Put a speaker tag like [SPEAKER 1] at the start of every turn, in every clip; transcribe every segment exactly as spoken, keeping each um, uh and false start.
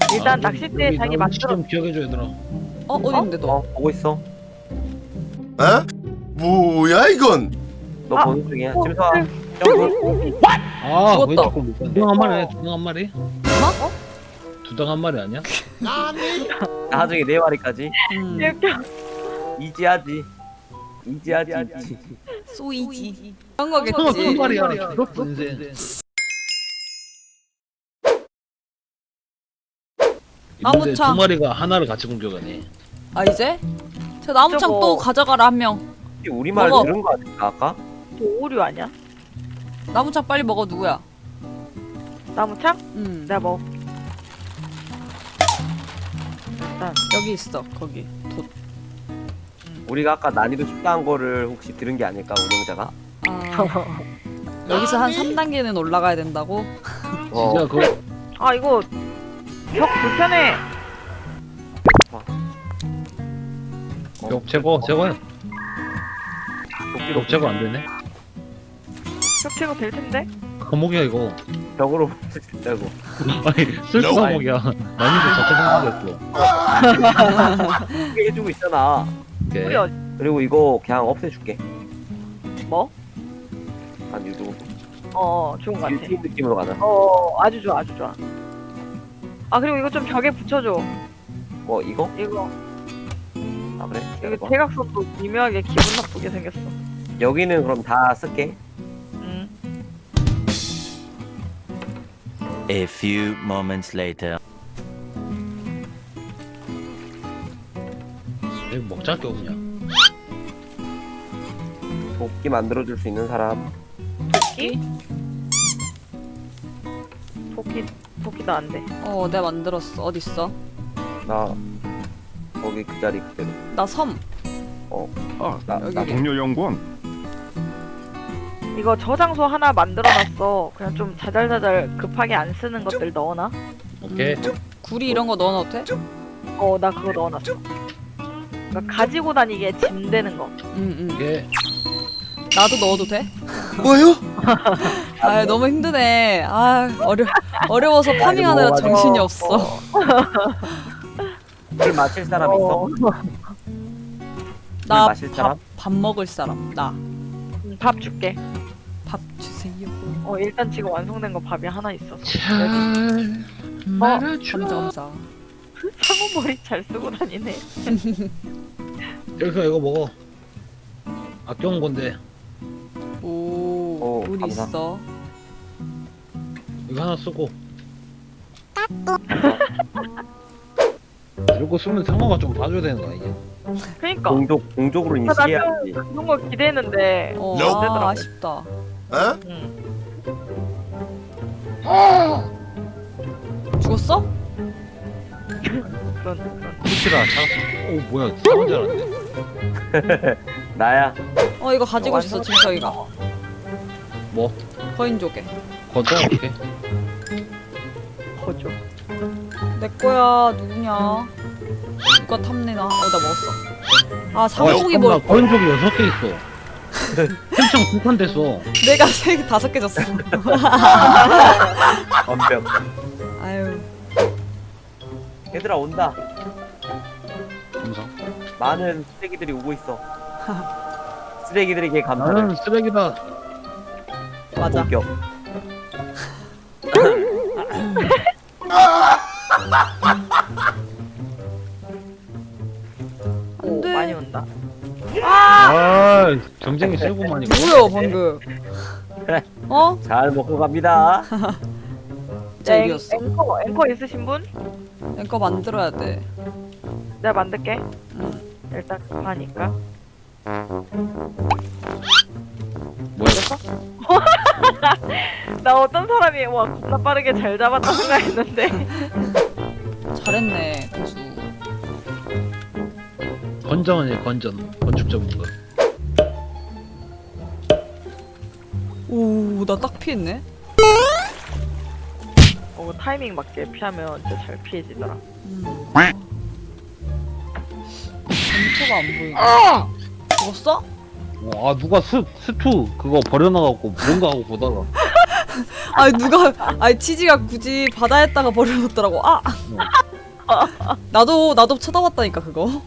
[SPEAKER 1] 일단
[SPEAKER 2] 아,
[SPEAKER 1] 낚싯대
[SPEAKER 2] 여기
[SPEAKER 1] 자기
[SPEAKER 2] 나
[SPEAKER 1] 만들어.
[SPEAKER 2] 좀 기억해줘 얘들아.
[SPEAKER 3] 어? 어디 있는데 너?
[SPEAKER 4] 어 보고 있어.
[SPEAKER 5] 어? 뭐야 이건?
[SPEAKER 4] 너
[SPEAKER 1] 아,
[SPEAKER 4] 보는 중이야.
[SPEAKER 1] 어,
[SPEAKER 4] 짐수아.
[SPEAKER 1] 네.
[SPEAKER 4] 점프.
[SPEAKER 2] 아
[SPEAKER 3] 죽었다.
[SPEAKER 2] 왼쪽 거 두당 한 마리 해. 두당 한 마리?
[SPEAKER 3] 어?
[SPEAKER 2] 두당 한 마리 아니야?
[SPEAKER 4] 나중에 네 마리까지.
[SPEAKER 3] 음.
[SPEAKER 1] 이렇게
[SPEAKER 4] 이지하지. 이지하지. 이지.
[SPEAKER 3] 소이지 그런
[SPEAKER 2] 한
[SPEAKER 3] 거겠지.
[SPEAKER 2] 마리야. 죽었어 인생.
[SPEAKER 3] 나무창.
[SPEAKER 2] 근데 두 마리가 하나를 같이 공격하네.
[SPEAKER 3] 아 이제? 저 나무창
[SPEAKER 1] 저거-
[SPEAKER 3] 또 가져가라 한 명.
[SPEAKER 4] 우리 말
[SPEAKER 3] 먹어.
[SPEAKER 4] 들은 거 아닐까 아까?
[SPEAKER 1] 저 오류 아니야?
[SPEAKER 3] 나무창 빨리 먹어 누구야?
[SPEAKER 1] 나무창?
[SPEAKER 3] 음
[SPEAKER 1] 내가 먹. 일단
[SPEAKER 3] 여기 있어 거기 돛.
[SPEAKER 4] 우리가 아까 난이도 쉽다 한 거를 혹시 들은 게 아닐까 운영자가?
[SPEAKER 3] 아 여기서 한 삼 단계는 올라가야 된다고?
[SPEAKER 4] 어.
[SPEAKER 2] 진짜 그
[SPEAKER 1] 아 이거 벽 불편해.
[SPEAKER 2] 벽 제거 제거해.
[SPEAKER 4] 도끼로
[SPEAKER 2] 벽 제거 안 되네.
[SPEAKER 1] 벽 제거 될 텐데.
[SPEAKER 2] 감옥이야 이거.
[SPEAKER 4] 벽으로 붙였다고.
[SPEAKER 2] 아니 쓸수 감옥이야. 난이도 자체 생각했어.
[SPEAKER 4] 이게 해주고 있잖아.
[SPEAKER 2] 오케이.
[SPEAKER 1] 우리 어,
[SPEAKER 4] 그리고 이거 그냥 없애줄게.
[SPEAKER 1] 뭐?
[SPEAKER 4] 아니 이거
[SPEAKER 1] 어 좋은 거 같아.
[SPEAKER 4] 일팀 느낌으로 가자.
[SPEAKER 1] 어 아주 좋아 아주 좋아. 아 그리고 이거 좀 벽에 붙여줘.
[SPEAKER 4] 뭐 이거?
[SPEAKER 1] 이거
[SPEAKER 4] 아 그래?
[SPEAKER 1] 여기
[SPEAKER 4] 기다려봐.
[SPEAKER 1] 대각선도 미묘하게 기분 나쁘게 생겼어.
[SPEAKER 4] 여기는 그럼 다 쓸게.
[SPEAKER 1] 음.
[SPEAKER 6] A few moments later.
[SPEAKER 2] 여기 먹잘 게 없냐?
[SPEAKER 4] 도끼 만들어줄 수 있는 사람.
[SPEAKER 1] 토끼? 토끼 토끼도 안 돼.
[SPEAKER 3] 어 내가 만들었어. 어딨어?
[SPEAKER 4] 나 거기 그 자리 그대로.
[SPEAKER 3] 나 섬.
[SPEAKER 4] 나, 나
[SPEAKER 3] 여기.
[SPEAKER 7] 동료 연구원
[SPEAKER 1] 이거 저장소 하나 만들어놨어. 그냥 좀 자잘자잘 급하게 안 쓰는 것들 넣어놔.
[SPEAKER 2] 오케이.
[SPEAKER 3] 음, 구리 이런 거 넣어놔도 돼?
[SPEAKER 1] 어 나 그거 넣어놨어. 그러니까 가지고 다니기에 짐 되는 거.
[SPEAKER 3] 응응.
[SPEAKER 2] 오케이.
[SPEAKER 3] 나도 넣어도 돼?
[SPEAKER 5] 뭐요?
[SPEAKER 3] 아 너무 힘드네. 아 어려 어려워서 파밍하느라
[SPEAKER 4] 먹어가지고.
[SPEAKER 3] 정신이 없어.
[SPEAKER 4] 물 마실 사람 있어? 물
[SPEAKER 3] 나
[SPEAKER 4] 마실 사람?
[SPEAKER 3] 밥 밥 먹을 사람. 나
[SPEAKER 1] 음, 밥 줄게.
[SPEAKER 3] 밥 주세요.
[SPEAKER 1] 어 일단 지금 완성된 거 밥이 하나 있어서.
[SPEAKER 2] 잘
[SPEAKER 3] 감사 감사.
[SPEAKER 1] 상어 머리 잘 쓰고 다니네.
[SPEAKER 2] 여기서 이거 먹어. 아껴온 건데
[SPEAKER 3] 오,
[SPEAKER 4] 오,
[SPEAKER 3] 우리
[SPEAKER 4] 감사.
[SPEAKER 3] 있어.
[SPEAKER 2] 이거 하나 쓰고. 이러고 쓰면 상어가 좀 봐줘야 되는 거 아니야?
[SPEAKER 1] 그니까
[SPEAKER 4] 공족 공족으로
[SPEAKER 1] 나
[SPEAKER 4] 인식해야지.
[SPEAKER 1] 그런 거 기대했는데.
[SPEAKER 3] 어,
[SPEAKER 1] 안
[SPEAKER 3] 아,
[SPEAKER 1] 되더라고.
[SPEAKER 3] 아쉽다.
[SPEAKER 5] 어?
[SPEAKER 1] 응.
[SPEAKER 3] 죽었어?
[SPEAKER 1] 그런 그런.
[SPEAKER 2] 피치라 살았어. 오 뭐야 상어 줄 알았네.
[SPEAKER 4] 나야.
[SPEAKER 3] 어 이거 가지고
[SPEAKER 1] 어,
[SPEAKER 3] 있어
[SPEAKER 1] 완전
[SPEAKER 3] 진서이가.
[SPEAKER 2] 뭐?
[SPEAKER 3] 거인 조개.
[SPEAKER 2] 걷어 오케이.
[SPEAKER 1] 거죠.
[SPEAKER 3] 내 거야 누구냐? 누가 탐내나? 어 나 먹었어. 아 상복이
[SPEAKER 2] 어,
[SPEAKER 3] 뭘?
[SPEAKER 2] 거인 쪽이 여섯 개 있어. 햄청 두 판 됐어.
[SPEAKER 3] 내가 세 개 다섯 개 줬어.
[SPEAKER 4] 완벽.
[SPEAKER 3] 아유
[SPEAKER 4] 얘들아 온다.
[SPEAKER 2] 감사.
[SPEAKER 4] 많은 쓰레기들이 오고 있어. 쓰레기들에게 감사를.
[SPEAKER 2] 나는 쓰레기다.
[SPEAKER 3] 맞아.
[SPEAKER 4] 본격.
[SPEAKER 1] 오
[SPEAKER 3] 안돼.
[SPEAKER 1] 많이 온다.
[SPEAKER 2] 아 경쟁이 세고만 이거.
[SPEAKER 3] 뭐야 방금? 어?
[SPEAKER 4] 잘 먹고 갑니다.
[SPEAKER 1] 네,
[SPEAKER 3] 제이였어.
[SPEAKER 1] 앵커 앵커 있으신 분?
[SPEAKER 3] 앵커 만들어야 돼.
[SPEAKER 1] 내가 만들게.
[SPEAKER 3] 응.
[SPEAKER 1] 일단 급하니까.
[SPEAKER 2] 뭐야?
[SPEAKER 1] 나 어떤 사람이 와 겁나 빠르게 잘 잡았다 생각했는데.
[SPEAKER 3] 잘했네 고수.
[SPEAKER 2] 건전이야 건전. 건축 전문가.
[SPEAKER 3] 오나 딱 피했네.
[SPEAKER 1] 어 타이밍 맞게 피하면 진짜 잘 피해지더라.
[SPEAKER 3] 음. 전투가 안 보이네. 죽었어?
[SPEAKER 2] 어, 아 누가 스 스투 그거 버려놔갖고 뭔가 하고 보다가
[SPEAKER 3] 아니 누가 아니 치즈가 굳이 바다에다가 버려놓더라고. 아 나도 나도 쳐다봤다니까 그거.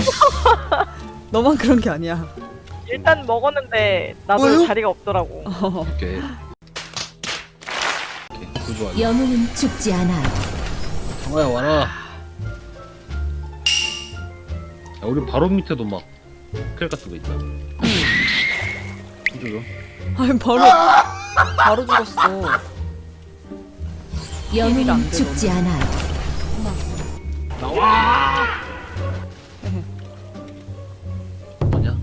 [SPEAKER 3] 너만 그런 게 아니야.
[SPEAKER 1] 일단 먹었는데 나도
[SPEAKER 5] 뭐요?
[SPEAKER 1] 자리가 없더라고.
[SPEAKER 2] 오케이. 오케이. 그거 아니야.
[SPEAKER 7] 영웅은 죽지 않아요.
[SPEAKER 2] 정아야 와라. 야, 우리 바로 밑에도 막 클 같은 거 있다. 이쪽으로.
[SPEAKER 3] 아니 바로 바로 죽었어.
[SPEAKER 7] 영웅은 죽지 않아요.
[SPEAKER 2] 나와. 뭐냐?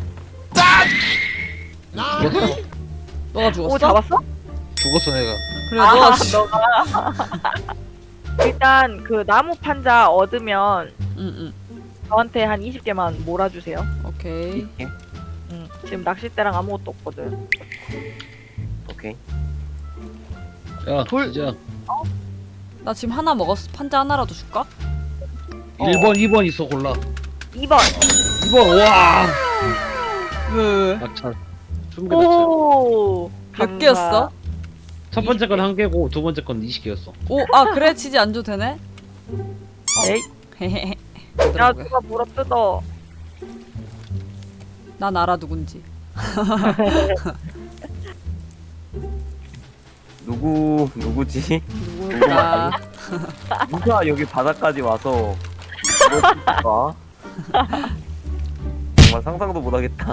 [SPEAKER 2] 죽었어.
[SPEAKER 3] 너가 죽었어?
[SPEAKER 1] 오 잡았어?
[SPEAKER 2] 죽었어 내가.
[SPEAKER 3] 그래
[SPEAKER 1] 아,
[SPEAKER 3] 너가 죽.
[SPEAKER 1] 너가. 일단 그 나무 판자 얻으면
[SPEAKER 3] 응응.
[SPEAKER 1] 저한테 한 이십 개만 몰아주세요.
[SPEAKER 3] 오케이.
[SPEAKER 1] 응. 지금 낚싯대랑 아무것도 없거든.
[SPEAKER 4] 오케이.
[SPEAKER 2] 야
[SPEAKER 1] 돌-
[SPEAKER 2] 진짜.
[SPEAKER 3] 나 지금 하나 먹었어. 판자 하나라도 줄까?
[SPEAKER 2] 일 번, 이 번 있어 골라.
[SPEAKER 1] 이 번.
[SPEAKER 2] 이 번 와.
[SPEAKER 3] 왜 왜?
[SPEAKER 2] 낙찰. 스무 개 낙찰.
[SPEAKER 1] 오.
[SPEAKER 3] 몇
[SPEAKER 1] 감사.
[SPEAKER 3] 개였어?
[SPEAKER 2] 첫 번째 건 한 개고 두 번째 건 이십 개였어.
[SPEAKER 3] 오, 아 그래 치즈 안 줘도 되네?
[SPEAKER 1] 에이.
[SPEAKER 3] 헤헤헤.
[SPEAKER 1] 야 누가 물어 뜯어.
[SPEAKER 3] 난 알아 누군지.
[SPEAKER 4] 누구 누구지?
[SPEAKER 3] 누굴까?
[SPEAKER 4] 누가 여기 바다까지 와서 이럴까? 정말 상상도 못하겠다.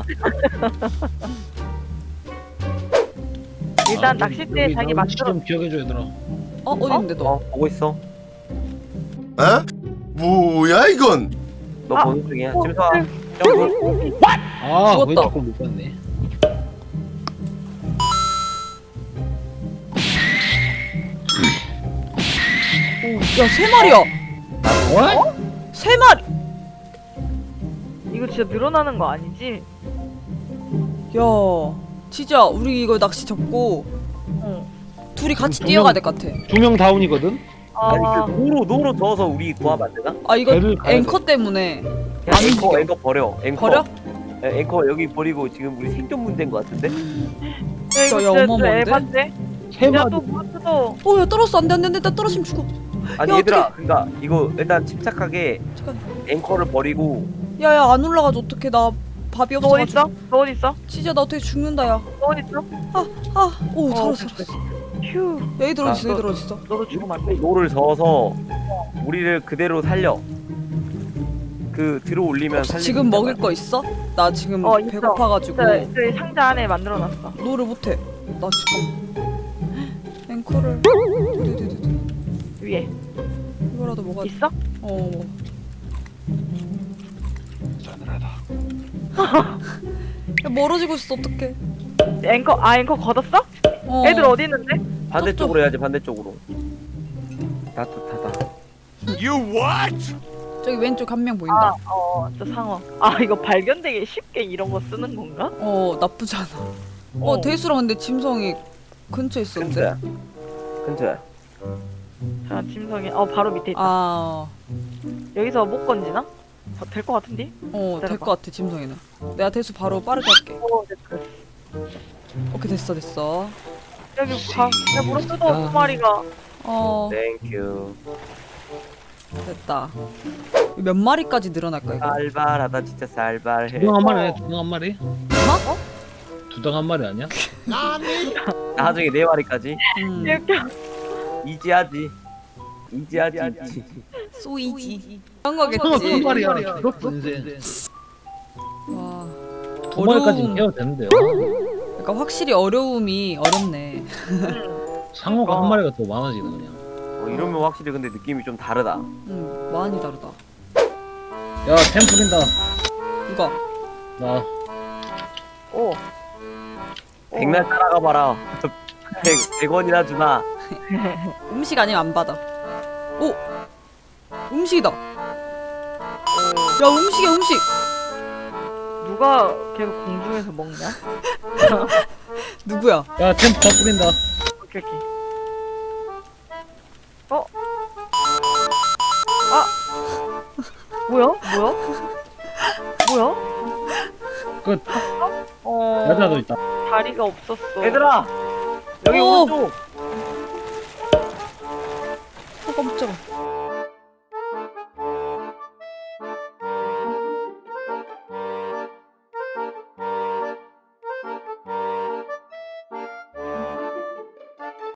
[SPEAKER 1] 일단
[SPEAKER 2] 아,
[SPEAKER 1] 낚싯대
[SPEAKER 2] 여기
[SPEAKER 1] 자기
[SPEAKER 2] 나 위치
[SPEAKER 1] 만들어.
[SPEAKER 2] 좀 기억해줘 얘들아.
[SPEAKER 3] 어 어디 있는데 너?
[SPEAKER 4] 어 보고 있어.
[SPEAKER 5] 어? 뭐야 이건?
[SPEAKER 4] 너
[SPEAKER 1] 아,
[SPEAKER 4] 보는 중이야.
[SPEAKER 1] 어,
[SPEAKER 4] 침사.
[SPEAKER 1] 네.
[SPEAKER 4] 점프.
[SPEAKER 2] 아
[SPEAKER 3] 죽었다.
[SPEAKER 2] 왜 자꾸 못 봤네.
[SPEAKER 3] 야 세 마리야.
[SPEAKER 2] 어?
[SPEAKER 3] 세 마리.
[SPEAKER 1] 이거 진짜 늘어나는 거 아니지?
[SPEAKER 3] 야 치즈야 우리 이거 낚시 접고
[SPEAKER 1] 응.
[SPEAKER 3] 둘이 같이
[SPEAKER 2] 두
[SPEAKER 3] 뛰어가야
[SPEAKER 2] 명-
[SPEAKER 3] 될 것 같아.
[SPEAKER 2] 두 명 다운이거든.
[SPEAKER 4] 아니
[SPEAKER 1] 아.
[SPEAKER 4] 그 노로 노로 저어서 우리 구하면 안 되나?
[SPEAKER 3] 아 이거
[SPEAKER 2] 배를 가야
[SPEAKER 3] 앵커 때문에
[SPEAKER 4] 야,
[SPEAKER 3] 안
[SPEAKER 4] 앵커
[SPEAKER 3] 움직여.
[SPEAKER 4] 앵커 버려. 앵커.
[SPEAKER 3] 버려?
[SPEAKER 4] 에, 앵커 여기 버리고 지금 우리 생존 문제인 것 같은데?
[SPEAKER 1] 야 이거
[SPEAKER 3] 야,
[SPEAKER 1] 진짜
[SPEAKER 3] 어마어마한데?
[SPEAKER 1] 에반데?
[SPEAKER 2] 세 마리.
[SPEAKER 1] 야또 물어 뜯어.
[SPEAKER 3] 어야 떨었어 안돼 안돼 안돼 나 떨어지면 죽어.
[SPEAKER 4] 아니
[SPEAKER 3] 야,
[SPEAKER 4] 얘들아, 그러니까 이거 일단 침착하게
[SPEAKER 3] 잠깐.
[SPEAKER 4] 앵커를 버리고
[SPEAKER 3] 야야 안 올라가지 어떡해 나 밥이
[SPEAKER 1] 너 어디
[SPEAKER 3] 없어가지고.
[SPEAKER 1] 있어? 너 어디 있어?
[SPEAKER 3] 치즈야 나 어떻게 죽는다 야.
[SPEAKER 1] 너 어디 있어?
[SPEAKER 3] 아오
[SPEAKER 1] 어,
[SPEAKER 3] 살았어
[SPEAKER 1] 그래.
[SPEAKER 3] 살았어.
[SPEAKER 1] 휴.
[SPEAKER 3] 얘들
[SPEAKER 4] 아,
[SPEAKER 3] 어디 있어 얘들 어디 있어?
[SPEAKER 1] 너도 죽으면 안 돼.
[SPEAKER 4] 노를 저어서 우리를 그대로 살려. 그 들어 올리면 살려.
[SPEAKER 3] 지금 먹을 거 있어? 나 지금
[SPEAKER 1] 어, 있어.
[SPEAKER 3] 배고파가지고
[SPEAKER 1] 저, 저기 상자 안에 만들어놨어.
[SPEAKER 3] 노를 못해. 나 지금 앵커를 두두두두.
[SPEAKER 1] 위에.
[SPEAKER 3] 이거라도 먹어야 돼.
[SPEAKER 1] 있어?
[SPEAKER 3] 어. 먹어.
[SPEAKER 2] 싸늘하다.
[SPEAKER 3] 야, 멀어지고 있어 어떡해.
[SPEAKER 1] 앵커 아 앵커 걷었어?
[SPEAKER 3] 어.
[SPEAKER 1] 애들 어디 있는데?
[SPEAKER 4] 반대쪽으로 해야지. 반대쪽으로. 따뜻하다.
[SPEAKER 3] 저기 왼쪽 한 명 보인다.
[SPEAKER 1] 아어저 상어. 아 이거 발견되기 쉽게 이런 거 쓰는 건가?
[SPEAKER 3] 어 나쁘지 않아. 어,
[SPEAKER 1] 어.
[SPEAKER 3] 대수랑 근데 짐성이 근처에 있었는데.
[SPEAKER 4] 근처야. 근처야.
[SPEAKER 1] 자 짐성이 어 바로 밑에 있다.
[SPEAKER 3] 아,
[SPEAKER 1] 여기서 못 건지나? 어, 될 것 같은데?
[SPEAKER 3] 어, 될
[SPEAKER 1] 기다려봐.
[SPEAKER 3] 것 같아 짐성이는. 내가 대수 바로 빠르게 할게.
[SPEAKER 1] 어 됐어.
[SPEAKER 3] 오케이 됐어 됐어.
[SPEAKER 1] 여기 가. 야 물어 뜯어 두 마리가.
[SPEAKER 3] 어
[SPEAKER 4] 땡큐.
[SPEAKER 3] 됐다. 몇 마리까지 늘어날까 이거?
[SPEAKER 4] 살발하다 진짜 살발해.
[SPEAKER 2] 두당 한 마리 아니야? 두당 한 마리?
[SPEAKER 3] 어?
[SPEAKER 2] 두당 한 마리 아니야?
[SPEAKER 4] 나중에 네 마리까지.
[SPEAKER 3] 음.
[SPEAKER 1] 이렇게
[SPEAKER 4] 이지하지. 이지하지. 이지.
[SPEAKER 3] 소이지. 그런
[SPEAKER 2] 한
[SPEAKER 3] 거겠지.
[SPEAKER 2] 마리야. 죽었어 인생.
[SPEAKER 3] 와.
[SPEAKER 2] 두 마리까지
[SPEAKER 3] 어려움.
[SPEAKER 2] 해야 되는데요.
[SPEAKER 3] 그러니까 확실히 어려움이 어렵네.
[SPEAKER 2] 상어가
[SPEAKER 1] 어.
[SPEAKER 2] 한 마리가 더 많아지네 그냥.
[SPEAKER 4] 어, 이러면 확실히 근데 느낌이 좀 다르다.
[SPEAKER 3] 음 많이 다르다.
[SPEAKER 2] 야 템 뿌린다.
[SPEAKER 3] 누가?
[SPEAKER 2] 나.
[SPEAKER 1] 오.
[SPEAKER 4] 백날 따라가 봐라. 백, 백 원이나 주나.
[SPEAKER 3] 음식 아니면 안 받아. 오 음식이다. 야 음식이야 음식.
[SPEAKER 1] 누가 계속 공중에서 먹냐?
[SPEAKER 3] 누구야?
[SPEAKER 2] 야 템 더 뿌린다.
[SPEAKER 1] 오케이 오케이. 어? 아 뭐야? 뭐야? 뭐야?
[SPEAKER 2] 끝.
[SPEAKER 1] 어
[SPEAKER 2] 여자도 있다.
[SPEAKER 1] 다리가 없었어.
[SPEAKER 4] 얘들아, 여기
[SPEAKER 3] 오!
[SPEAKER 4] 오른쪽.
[SPEAKER 3] 어 깜짝아.